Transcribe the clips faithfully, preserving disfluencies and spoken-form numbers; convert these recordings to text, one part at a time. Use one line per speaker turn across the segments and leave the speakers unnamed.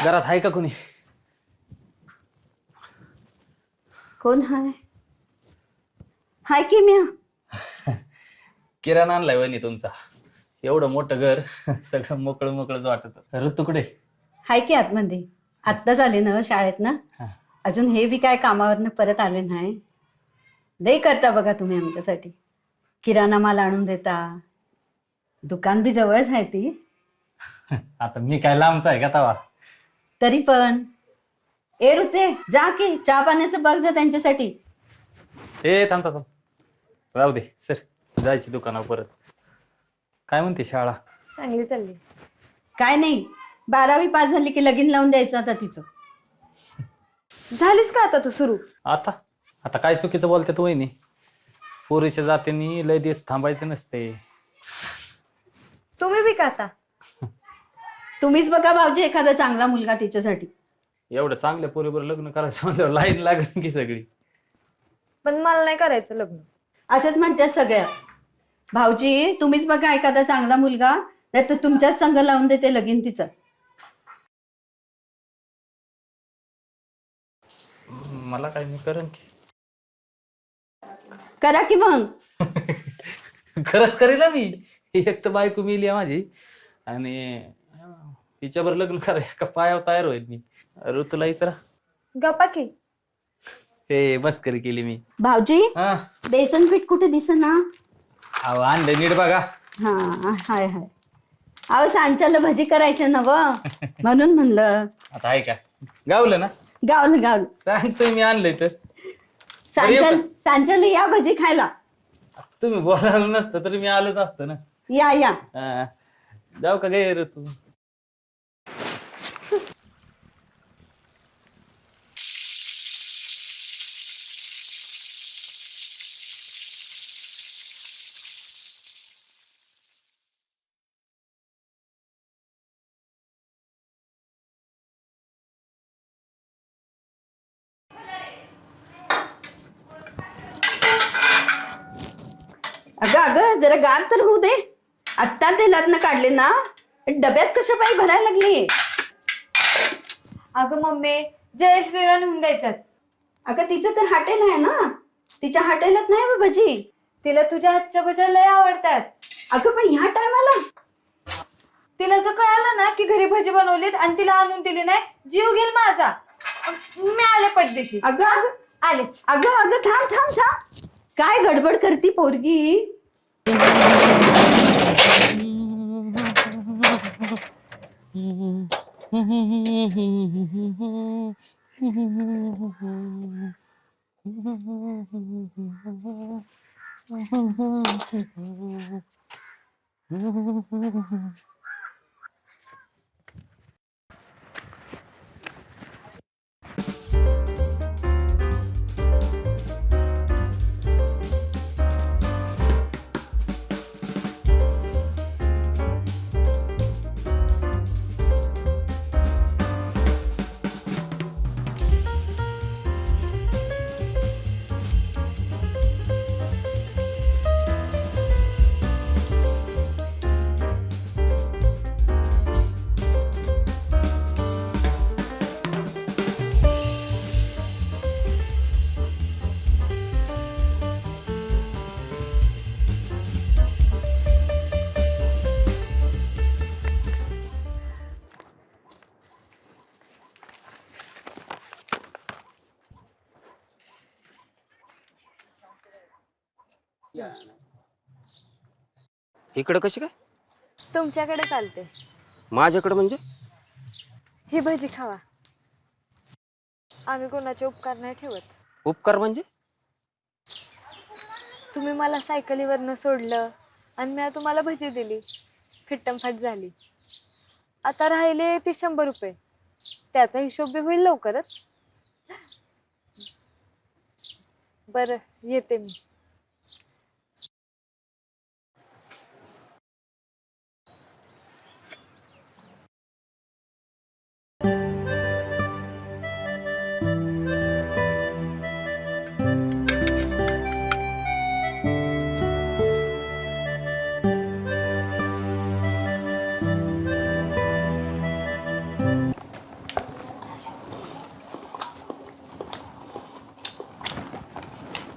घरात आहे का कोणी?
कोण हाय? हाय की म्या.
किराणा आणलाय वहिनी तुमचा. एवढं मोठं घर सगळं मोकळं मोकळंच वाटत. ऋतू कुठे?
हाय की आतमध्ये. आत्ताच आले ना शाळेत ना.
हा.
अजून हे बी काय कामावरनं परत आले नाही. लई करता बघा तुम्ही आमच्यासाठी. किराणा माल आणून देता. दुकान बी जवळच आहे ती.
आता मी काय लांबचा आहे का तवा?
तरी पण ए ऋते जा की चहा पाण्याचं बघ जा त्यांच्यासाठी.
ए थांब थांब राहू दे सर, जायची दुकानावर परत. काय म्हणते शाळा?
चांगली चालली.
काय नाही, बारावी पास झाली की लगीन लावून द्यायचं आता तिचं.
झालीस का आता तू सुरू?
आता आता काय चुकीचं बोलते तू वहिनी? पोरीच्या जातीने लय दिवस थांबायचं नसते.
तुम्ही बी का आता?
तुम्हीच बघा भाऊजी एखादा चांगला मुलगा तिच्यासाठी.
एवढं चांगल्या पोरीवर लग्न करायचं म्हणल्यावर लाईन लागेल की सगळी.
पण मला नाही करायचं लग्न.
असंच म्हणतात सगळ्या. भाऊजी तुम्हीच बघा एखादा चांगला मुलगा, नाही तर तुमच्याच संग लावून देते लगीन तिचं.
मला काय मी करेन की.
करा की मग.
खरंच करेल ना मी. एक तर बायको मिली आहे माझी आणि तिच्यावर लग्न करायला का पायावर तयार होईल मी. ऋतूला विचारा.
गप्पा की.
हे बस करी केली मी.
भाऊजी
हा
बेसन पीठ कुठे दिसेना?
अहो आणलं नीट बघा.
हा हाय हाय. अहो सांच्याला भजी करायचं ना व, म्हणून म्हणलं.
आता आहे का? गावलं ना?
गावलं गावलं.
सांगतोय मी आणलंय तर.
सांचल सांच्याला या भजी खायला.
तुम्ही बोलायला नसतं तरी मी आलोच असतो ना.
या या.
हा. जाऊ का गे ऋतू?
अगं अगं जरा गार तर होऊ दे. आत्ता तेलातनं काढले ना, डब्यात कशा पायी भरायला लागली.
अगं मम्मी जयश्रीला नेऊन द्यायच्यात.
अगं तिचं तर हॉटेल आहे ना, तिच्या हॉटेलात नाही बा भजी.
तिला तुझ्या हातच्या भज्या लय आवडतात.
अगं पण ह्या टायमाला
तिला जर कळालं ना की घरी भजी बनवलीत आणि तिला आणून दिली नाही, जीव घेईल माझा. मी आले पटदिशी.
अगं अगं
आलेच.
अगं अगं थांब थांब थांब. काय गडबड करती पोरगी?
इकडं कशी काय?
तुमच्याकडे चालते.
माझ्याकडं म्हणजे?
ही भजी खावा. आम्ही कोणाचे उपकार नाही ठेवत.
उपकार म्हणजे?
तुम्ही मला सायकलीवरनं सोडलं आणि मी तुम्हाला भजी दिली, फिट्टमफाट झाली. आता राहिले ती शंभर रुपये. त्याचा हिशोब बी होईल लवकरच. बरं येते मी.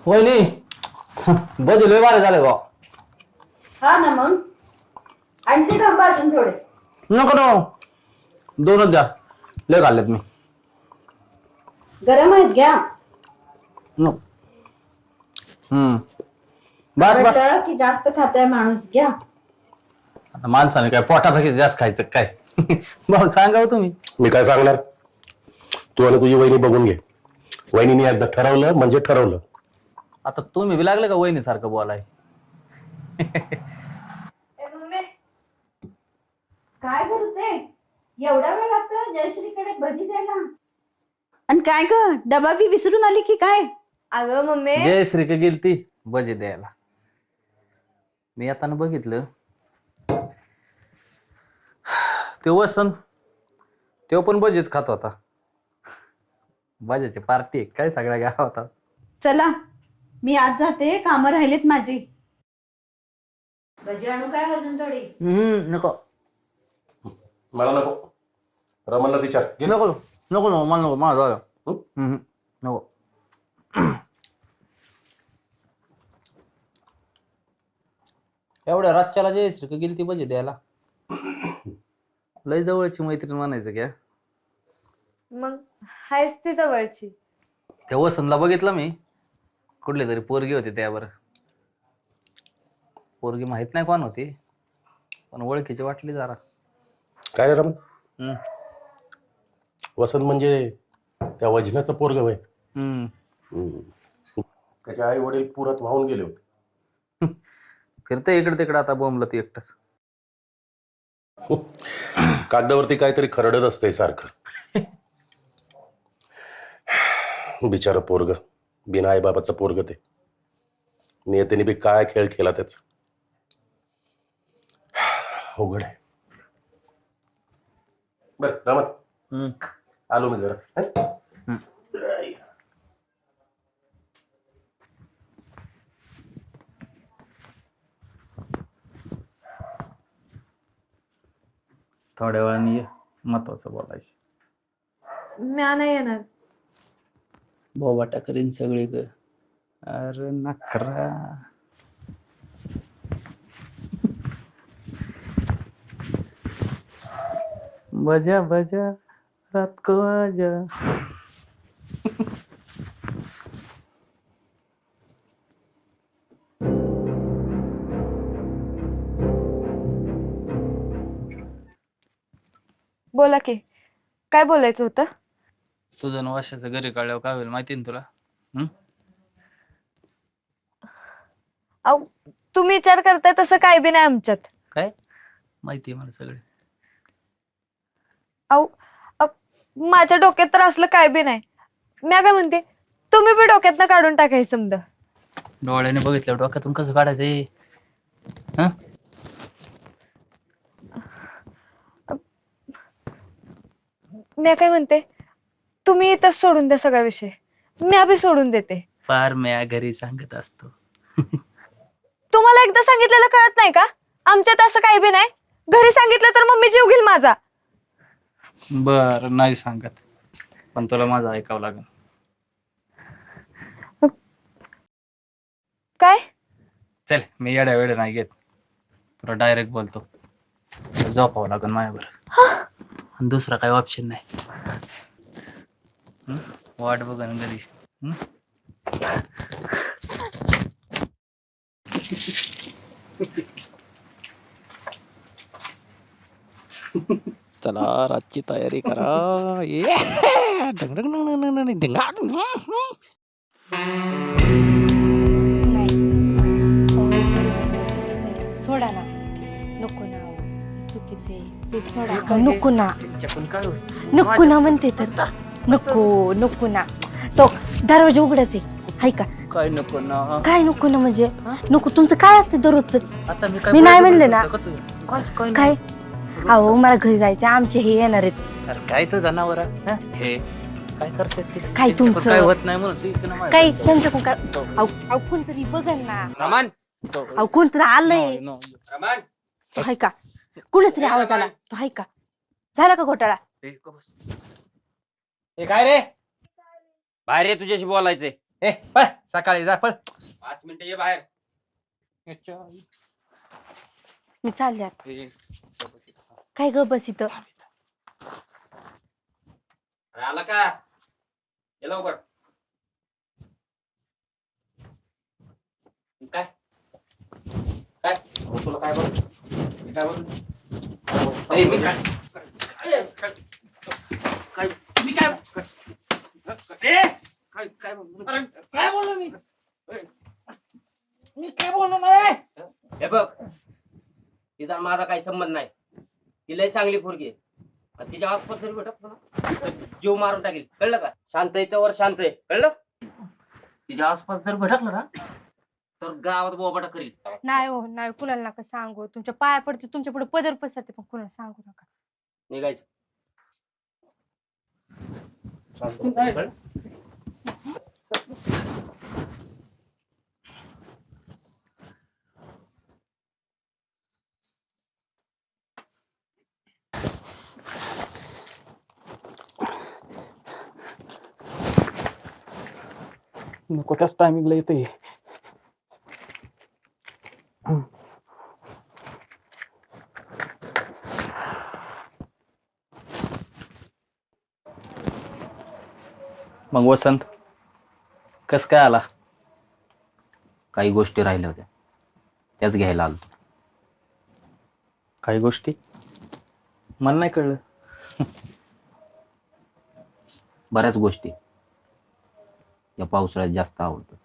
वहिनी बजे लय बारे झाले बा.
हा ना मग आणते थांबा अजून थोडे.
नको नको दोनच द्या लय घाललेत मी.
गरम आहेत घ्या.
नको. हम्म बस बस.
वाटलं की जास्त खाताय माणूस घ्या.
आता माणसाने काय पोटापेक्षा जास्त खायचं काय भाऊ सांगा हो तुम्ही.
मी काय सांगणार, तू आणि तुझी वहिनी बघून घे. वहिनीने एकदा ठरवलं म्हणजे ठरवलं.
आता तुम्ही बी लागले का वहिनी सारखं बोलाय.
काय करते एवढा वेळ लागतो जयश्रीकडे भजी द्यायला. आणि काय ग डबा बी विसरून आली की काय.
अगं मम्मी
जय श्री का गेलती भजी द्यायला. मी आता बघितलं ते वसन तो पण भजीच खात होता. भजीची पार्टी काय सगळ्या गावात.
चला मी आज जाते, कामं राहिलेत माझी. भजी आणू काय अजून थोडी.
हम्म नको
मला नको, रमणला विचार. घे.
नको नको नको मला नको माझं झालं.
हं?
हम्म, नको. एवढ्या रातच्याला जयश्री का गेली ती भजी द्यायला. लय जवळची मैत्रीण म्हणायचं क्या.
मग हायच ती जवळची.
त्या वसंतला बघितलं मी, कुठली तरी पोरगी होती त्यावर. पोरगी माहित नाही कोण होती पण ओळखीची वाटली जरा.
काय रे रमण,
हम्म
वसंत म्हणजे त्या वजनाचं पोरग वय.
हम्म
त्याचे आई वडील पुरात वाहून गेले होते.
फिरते इकडे तिकडे आता बोंबलं ती एकटच.
कागदावरती काहीतरी खरडत असते सारखं. बिचार पोरग, बिना आई बाबाचं पोरग ते. नियतीने बी काय खेळ खेळला त्याच. अवघड आहे. बर रमण,
हम्म
आलो मी जरा.
हम्म. थोड्या वेळाने ये, महत्वाचं बोलायचं.
म्या नाही येणार.
बोबाटा करीन सगळी ग. अरे नखरा. बजा बजा रात को आजा.
बोला की काय बोलायचं होतं.
तुझं न वर्षाचं घरी काढल्यावर काय होईल माहिती ना तुला. हम्म
अहो तुम्ही विचार करताय तसं काय बी नाही आमच्यात.
काय माहिती आहे मला सगळे.
अहो अ- माझ्या डोक्यात तर असलं काय बी नाही. मी काय म्हणते तुम्ही बी डोक्यातनं काढून टाकायचं समजा.
डोळ्याने बघितलं डोक्यातून कसं काढायचंय. हा
मी काय म्हणते तुम्ही इथंच सोडून द्या सगळा विषय. मी बी सोडून देते.
फार म्या घरी सांगत असतो.
तुम्हाला एकदा सांगितलेलं कळत नाही का. आमच्यात असं काही बी नाही. घरी सांगितलं तर मम्मी जीव घेईल माझा.
बर नाही सांगत पण तुला माझं ऐकावं लागेल.
काय
चल मी येड्या वेळ नाही घेत. तुला डायरेक्ट बोलतो. झोपावं लागेल माझ्यावर. आणि दुसरा काही ऑप्शन नाही. हं? वाट बघा ना घरी. हं? चला रातची तयारी करा. ये
सोडा ना. नको ना चुकीचे ते सोडा. नको ना नको ना म्हणते तर. नको नको ना. तो दरवाजा उघडाच आहे हाय का.
काय नको ना.
काय नको ना म्हणजे नको. तुमचं काय असतं दररोजच.
आता मी
मी नाही म्हणले ना.
काय
काय अहो मला घरी जायचं. आमचे हे येणार आहेत.
अरे काय तो जनावर हे काय करतात ते?
काय
त्यांच्याकडून
तुमचं?
काय होत नाही म्हणून तू इकडं नाही
काही
माझ्या.
त्यांचं कोण काय अहो अहो कोणतरी बघल ना.
रमण,
अहो कोणतरी आलंय.
No, no.
रमण,
तो हाय का. कुणाच रे आवाज आला. तो हाय का. झाला का घोटाळा.
ए, गप बस. ए, काय रे
बाहेर ये, तुझ्याशी बोलायचंय.
ए पळ सकाळी जा पळ.
पाच मिनिटं ये बाहेर.
मी चालले आता. काय ग बस इथं.
अरे आला का? ये लवकर.
काय काय
अहो, तुला काय बोल?
मी काय बोल ए, मी काय
काय
मी काय
ए! काय काय बोल?
अरे काय बोललो मी मी काय बोललो नाही.
हे बघ, तिचा माझा काही संबंध नाही. ती लय चांगली पोरगी आहे. आणि तिच्या आसपास जरी भेटत ना तर जीव मारून टाकेल, कळलं का? शांत आहे वर शांत आहे, कळलं? तिच्या आसपास जर भटकलं ना तर गावात बोबाटा करील.
नाही हो नाही कुणाला नका सांगू. तुमच्या पाया पडते तुमच्या पुढे पदर पसरते पण कुणाला सांगू नका.
निघायचं. शांत हो, कळलं?
नको त्याच टायमिंगला येते. मग वसंत कस काय आला.
काही गोष्टी राहिल्या होत्या त्याच घ्यायला आलो.
काही गोष्टी मला नाही कळलं.
बऱ्याच गोष्टी या पावसाळ्यात जास्त आवडतात.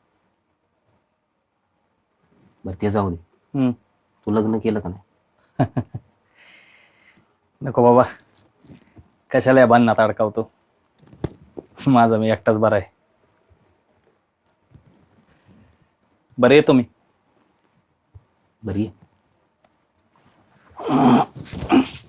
बरं ते जाऊ दे.
हम्म.
तू लग्न केलं का नाही?
नको बाबा कशाला या बांधण्यात अडकावतो. माझा मी एकटाच बरा आहे. बरं येतो मी.
बरी आहे.